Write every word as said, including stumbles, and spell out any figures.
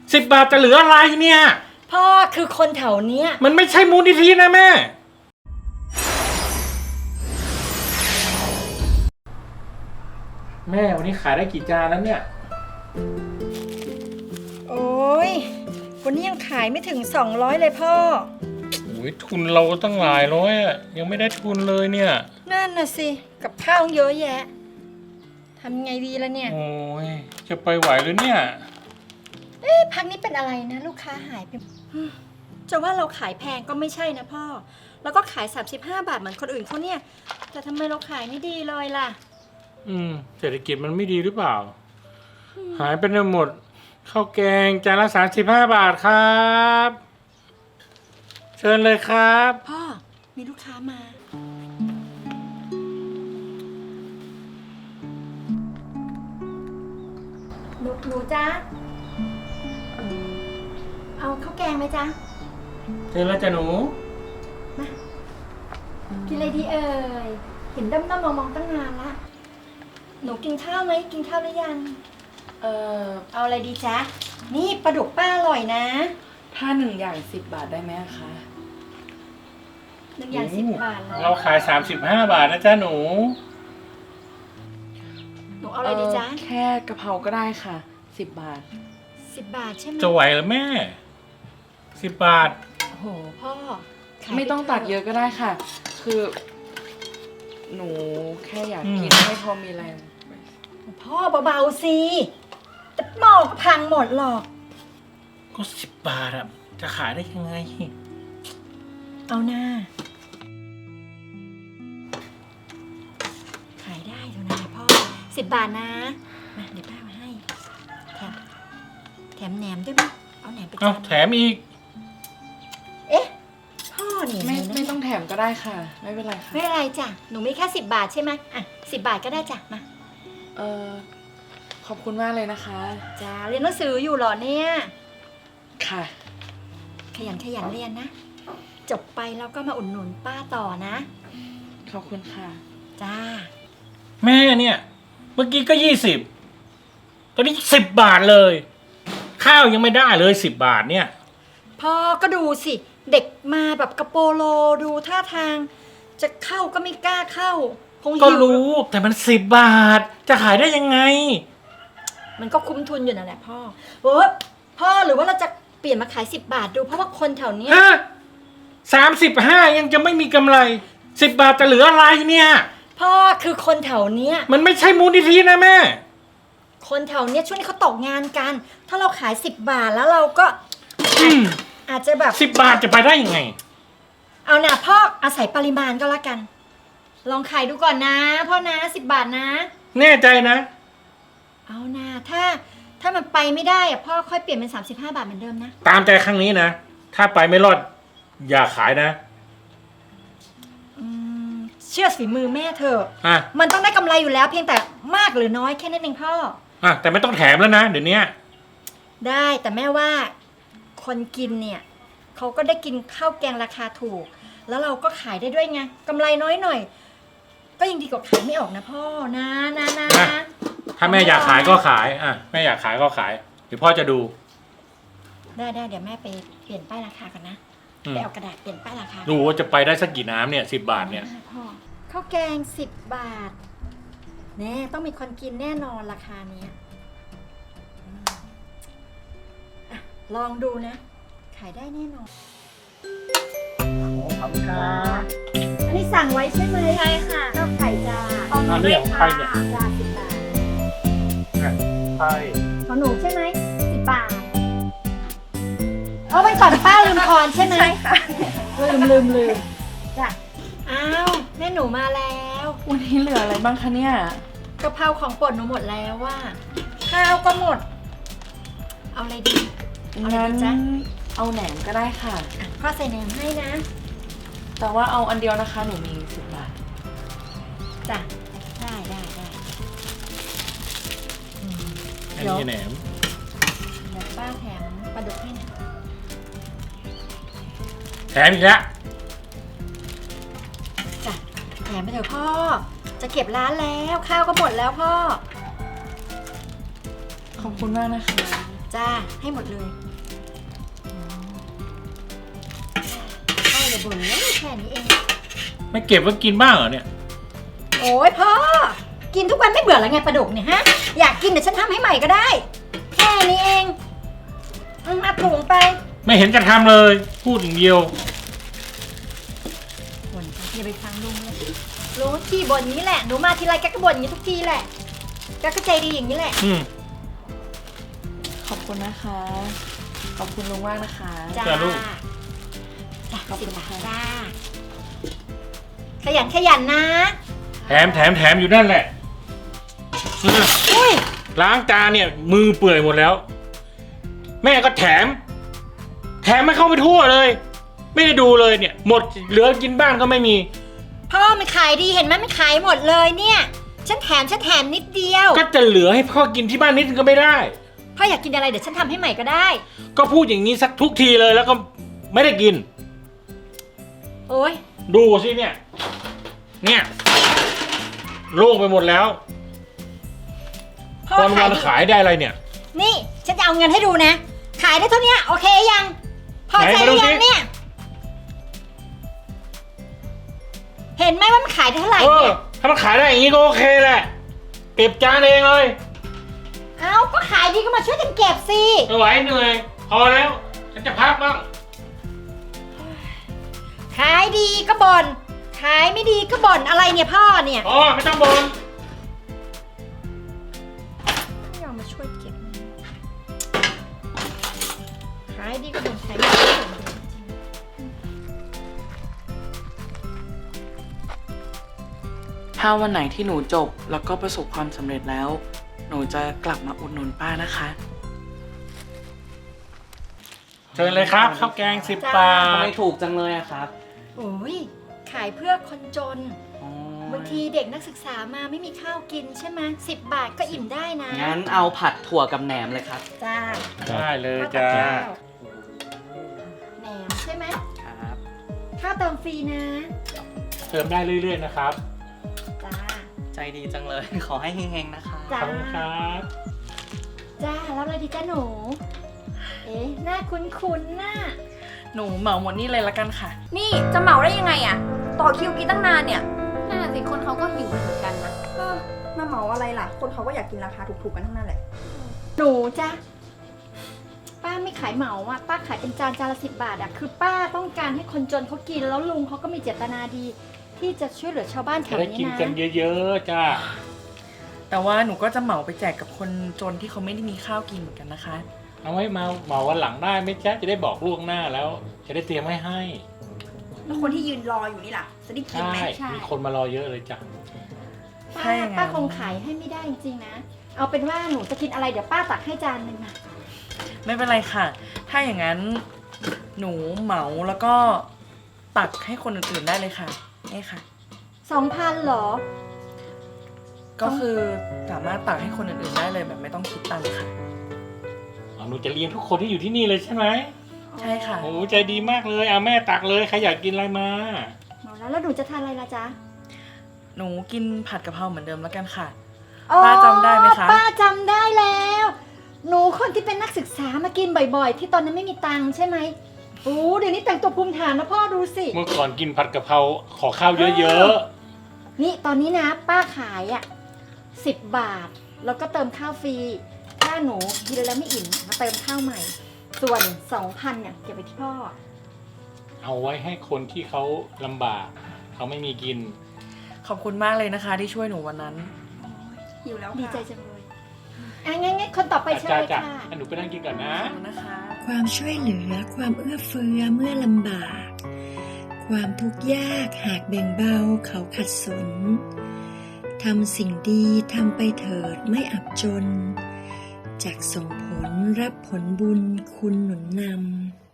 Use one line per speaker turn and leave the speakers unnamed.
สิบบาทจะเหลืออะไรเนี่ย
พ่อคือคนแถวเนี้ย
มันไม่ใช่มูลนิธินะแม่แม่วันนี้ขายได้กี่จานแล้วเนี่ย
โอ้ยวันนี้ยังขายไม่ถึงสองร้อยเลยพ่อ
โอ้ยทุนเราตั้งหลายร้อยอะยังไม่ได้ทุนเลยเนี่ย
นั่นน่ะสิกับข้าวเยอะแยะทำไงดีล่ะเนี่ย
โอ้ยจะไปไหวหรือเนี่ย
เอ๊ะพักนี้เป็นอะไรนะลูกค้าหายไปจะว่าเราขายแพงก็ไม่ใช่นะพ่อแล้วก็ขายสามสิบห้าบาทเหมือนคนอื่นเขาเนี่ยแต่ทำไมเราขายไม่ดีเลยล่ะ
อืมเศรษฐกิจมันไม่ดีหรือเปล่าหายไปหมดข้าวแกงจานละสามสิบห้าบาทครับเชิญเลยครับ
พ่อมีลูกค้ามาหนูหนูจ้าเอาข้าวแกงไหมจ๊ะ
เชิญแล้วจ้ะหนู
มากินอะไรดีเอ่ยเห็นด้อมๆมองๆตั้งนานละหนูกินข้าวไหมกินข้าวหรือยังเออเอาอะไรดีจ๊ะนี่ปลาดุกป้าอร่อยนะ
ถ้าหนึ่งอย่างสิบบาทได้ไหมคะ
หนึ่งอย่างสิบบาท
เราขายสามสิบห้าบาทนะจ๊ะหนู
หนูเอาอะไรดีจ๊ะ
แค่กะเพราก็ได้ค่ะสิบบาท
สิบบาทใช่ไหม
จะไหวเหรอแม่สิบบาท
โอ้โหพ่อ
ไม่ต้องตักเยอะก็ได้ค่ะคือหนูแค่อยากกินให้พอมีแรง
พ่อเบาๆสิแต่หม้อก็พังหมดหรอก
ก็สิบบาทอะจะขายได้ยังไง
เอาหน้าขายได้เท่านั้นพ่อสิบบาทนะมาเดี๋ยวป้ามาให้แถมแถมแหนมด้วยมั้ยเอาแหนมไป
เอาแถมอีก
เอ๊ะพ่อนี่
ไม่ไม่ต้องแถมก็ได้ค่ะไม่เป็นไรค่ะ
ไม่เป็นไรจ้ะหนูมีแค่สิบบาทใช่ไหมอ่ะสิบบาทก็ได้จ้ะมา
เออขอบคุณมากเลยนะคะ
จ้าเรียนหนังสืออยู่หรอเนี่ย
ค่ะ
ขยันขยันเรียนนะจบไปแล้วก็มาอุดหนุนป้าต่อนะ
ขอบคุณค่ะ
จ้า
แม่เนี่ยเมื่อกี้ก็ยี่สิบตอนนี้สิบบาทเลยข้าวยังไม่ได้เลยสิบบาทเนี่ย
พ่อก็ดูสิเด็กมาแบบกระโปโลดูท่าทางจะเข้าก็ไม่กล้าเข้าคงหิว
ก็รู้แต่มันสิบบาทจะขายได้ยังไง
มันก็คุ้มทุนอยู่นั่นแหละพ่อเออพ่อหรือว่าเราจะเปลี่ยนมาขายสิบบาทดูเพราะว่าคนแถวนี้
สามสิบห้ายังจะไม่มีกำไรสิบบาทจะเหลืออะไรเนี่ย
พ่อคือคนแถวเนี้ย
มันไม่ใช่มูลนิธินะแม่
คนแถวเนี้ยช่วงนี้เขาตกงานกันถ้าเราขายสิบบาทแล้วเราก็อาจจะแบบ
สิบบาทจะไปได้ยังไง
เอาหน่ะพ่ออาศัยปริมาณก็แล้วกันลองขายดูก่อนนะพ่อนะสิบบาทนะ
แน่ใจนะ
เอาหน่ะถ้าถ้ามันไปไม่ได้อะพ่อค่อยเปลี่ยนเป็นสามสิบห้าบาทเหมือนเดิมนะ
ตามใจครั้งนี้นะถ้าไปไม่รอดอย่าขายนะ
เชื่อฝีมือแม่เถอะ
อ่ะ
มันต้องได้กำไรอยู่แล้วเพียงแต่มากหรือน้อยแค่นั้นเองพ่อ
อ่ะแต่ไม่ต้องแถมแล้วนะเดี๋ยวนี้
ได้แต่แม่ว่าคนกินเนี่ยเขาก็ได้กินข้าวแกงราคาถูกแล้วเราก็ขายได้ด้วยไงกำไรน้อยหน่อยก็ยังดีกว่าขายไม่ออกนะพ่อนะนะนะ
ถ้าแม่อยากขายก็ขายอ่ะแม่อยากขายก็ขายเดี๋ยวพ่อจะดู
ได้ได้เดี๋ยวแม่ไปเปลี่ยนป้ายราคากันนะไปเอากระดาษเปลี่ยนป้ายราคา
ดูว่าจะไปได้สักกี่น้ำเนี่ยสิบบาทเนี่ย
พ่อข้าวแกงสิบบาทแน่ต้องมีคนกินแน่นอนราคานี้ลองดูนะขายได้แน่นอน
ขอบคุณครับ
อันนี้สั่งไว้ใช่ไหม
ใช่ค่ะ
ข้าวไข่จ้า
เอาเรื่องไข่เนี่ย
จ้าสิบบาท
ไข่
ของหนูใช่ไหมสิบบาทเอาไปก่อนป้าลืมทอนใช่ไหม
ใช่ค่ะ
ลืมลืมลืมจ้ะอ้าวแม่หนูมาแล้ว
วันนี้เหลืออะไรบ้างคะเนี่ย
กะเพราของโปรดหนูหมดแล้วว่าข้าวก็หมดเอาอะไรดี
งั้นเอาแหนมก็ได้ค่ะ
พ่อใส่แหนมให้นะ
แต่ว่าเอาอันเดียวนะคะหนูมีสิบบาท
จ้ะได้ได้ได้
อันนี้แหนม
เดี๋ยวป้าแถมปลาดุกให้นะ
แถมอีกแล้ว
จ้ะแถมไปเถอะพ่อจะเก็บร้านแล้วข้าวก็หมดแล้วพ่อ
ขอบคุณมากนะคะ
จ้าให้หมดเลยพ่ออย่าบ่นเลยแค่นี้เอง
ไม่เก็บไว้กินบ้างเหรอเนี่ย
โอ้ยพ่อกินทุกวันไม่เบื่อแล้วไงปลาดุกเนี่ยฮะอยากกินเดี๋ยวฉันทำให้ใหม่ก็ได้ แค่นี้เองอืมเอาถุงไป
ไม่เห็นจะทำเลย พูดอย่างเดียว
บ่นไปอย่าไปฟังลุงเลยลุงขี้บ่นนี้แหละหนูมาทีไรแกก็บ่นอย่างนี้ทุกทีแหละแกก็ใจดีอย่างนี้แหละ
อืม
ขอบคุณนะคะ ขอบคุณลุงมากนะคะ
จ้า
จ้าลูก
จ้า
ขอบคุณ
สิบบาท
ค่ะ
จ้าขยันขยันนะ
แถมแถมแถมอยู่นั่นแหละเออ
อุ้ย
ล้างจานเนี่ย มือเปื่อยหมดแล้ว แม่ก็แถม แถมไม่เข้าไปทั่วเลย ไม่ได้ดูเลยเนี่ย หมดเหลือกินบ้างก็ไม่มี
พ่อมันขายดีเห็นไหมมันขายหมดเลยเนี่ยฉันแถมฉันแถมนิดเดียว
ก็จะเหลือให้พ่อกินที่บ้านนิดนึงก็ไม่ได้
พ่ออยากกินอะไรเดี๋ยวฉันทำให้ใหม่ก็ได้
ก็พูดอย่างนี้สักทุกทีเลยแล้วก็ไม่ได้กิน
โอ้ย
ดูสิเนี่ย เนี่ยโล่งไปหมดแล้ว
พ่อ
วัน
ขา
วั
ย
น
ดี
ขายได้อะไรเนี่ย
นี่ฉันจะเอาเงินให้ดูนะ ขายได้เท่านี้โอเคยังพอใจ
ไหน
ห
มาดู
รือ
สิ
ยังเนี่ย เห็นไหมว่ามันขายได้เท่าไหร่
เออ
เนี่ย
ถ้ามันขายได้อย่างนี้ก็โอเคแหละ เก็บจานเองเลย
เอ้าก็ขายดีก็มาช่วยกันเก็บสิ
ไม่ไหวเหนื่อย พอแล้ว ฉันจะพักบ้าง
ขายดีก็บ่นขายไม่ดีก็บ่นอะไรเนี่ยพ่อเนี่ย
อ๋อไม่ต้องบ่น
ไม่ยอมมาช่วยเก็บขายดีก็บ่นขายไม่ดีก็บ่น
ถ้าวันไหนที่หนูจบแล้วก็ประสบความสำเร็จแล้ว หนูจะกลับมาอุดหนุนป้านะคะ
เชิญเลยครับข้าวแกงสิบบา
ทำไม
ท
ถูกจังเลยอะครับ
โอ้ยขายเพื่อคนจน
อ๋อ
บางทีเด็กนักศึกษามาไม่มีข้าวกินใช่ไหมสิบบาทก็อิ่มได้นะ
งั้นเอาผัดถั่วกับแหนมเลยครับ
จ้า
ได้เลย
ข้าว
จ้า
กับข้าวแหนมใช่ไหม
ครับ
ข้าวเติมฟรีนะ
เติมได้เรื่อยๆนะครับ
จ้า
ใจดีจังเลย ขอให้เฮงๆนะคะ
ข
จ้า
อบคุณครับ
จ้าแล้วอะไรดีจ้าหนู เอ๊ะหน้าคุ้นๆน่ะ
หนูเหมาหมดนี่เลยละกันค่ะ
นี่จะเหมาได้ยังไงอะต่อคิวกินตั้งนานเนี่ยนั่นน่ะสิคนเขาก็หิวเหมือนกันนะ
เออมาเหมาอะไรล่ะ คนเขาก็อยากกินราคาถูกๆกันทั้งนั้นแหละ
หนูจ้าป้าไม่ขายเหมาอ่ะป้าขายเป็นจานจานละสิบบาทอ่ะคือป้าต้องการให้คนจนเขากินแล้วลุงเขาก็มีเจตนาดี ที่จะช่วยเหลือชาวบ้านแถ
จะ
ว
ได้
นี้
กิน
นะ
กันเยอะๆจ้า
แต่ว่าหนูก็จะเหมาไปแจกกับคนจนที่เขาไม่ได้มีข้าวกินเหมือนกันนะคะ
เอาไว้มาเหมาวันหลังได้ไหมจ๊ะจะได้บอกล่วงหน้าแล้ว จะได้เตรียมไว้ให้
แล้วคนที่ยืนรออยู่นี่ล่ะ จะได้กิน
ใช่
ไหม
ใช่
มีคนมารอเยอะเลยจ้ะ
ถ้า
ป้า
อย่างนั้น
ป้าคงขายให้ไม่ได้จริงๆนะ เอาเป็นว่าหนูจะกินอะไรเดี๋ยวป้าตักให้จานหนึ่งนะ
ไม่เป็นไรค่ะ ถ้าอย่างนั้นหนูเหมาแล้วก็ตักให้คนอื่นๆได้เลยค่ะนี่ค่ะ
สองพันเหรอ
ก็คือสามารถตักให้คนอื่นๆได้เลยแบบไม่ต้องคิดตังค์ค่ะ
อ๋อหนูจะเลี้ยงทุกคนที่อยู่ที่นี่เลยใช่ไหม
ใช่ค่ะ
โอ้ใจดีมากเลยเอาแม่ตักเลยใครอยากกินอะไรมา
เอาแล้วแล้วหนูจะทานอะไรล่ะจ๊ะ
หนูกินผัดกะเพราเหมือนเดิมแล้วกันค่ะ
อ๋อ
ป้าจำได้ไหมคะ
ป้าจำได้แล้ว หนูคนที่เป็นนักศึกษามากินบ่อยๆ ที่ตอนนั้นไม่มีตังค์ใช่ไหมโอ้เดี๋ยวนี้แต่งตัวภูมิฐานนะพ่อดูสิ
เมื่อก่อนกินผัดกะเพราขอข้าวเยอะ
นี่ตอนนี้นะ ป้าขายอ่ะสิบบาท แล้วก็เติมข้าวฟรี ถ้าหนูกินแล้วไม่อิ่มมาเติมข้าวใหม่ ส่วนสองพันเนี่ยเก็บไปที่พ่อ
ๆ เอาไว้ให้คนที่เขาลำบาก เขาไม่มีกิน
ขอบคุณมากเลยนะคะ ที่ช่วยหนูวันนั้น
หิวแล้ว
ดี
ค่ะ
ใจจังเลยอ่ะงั้นงั้นคนต่อไปเชิญ
จ้า
เลย
จ้า
ค่ะ
หนูไปนั่งกินก่อนนะ
ขอบคุณนะคะ
ความช่วยเหลือความเอื้อเฟื้อเมื่อลำบาก ความทุกข์ยากหากแบ่งเบาเขาขัดสน ทำสิ่งดีทำไปเถิดไม่อับจน จากส่งผลรับผลบุญคุณหนุนนำ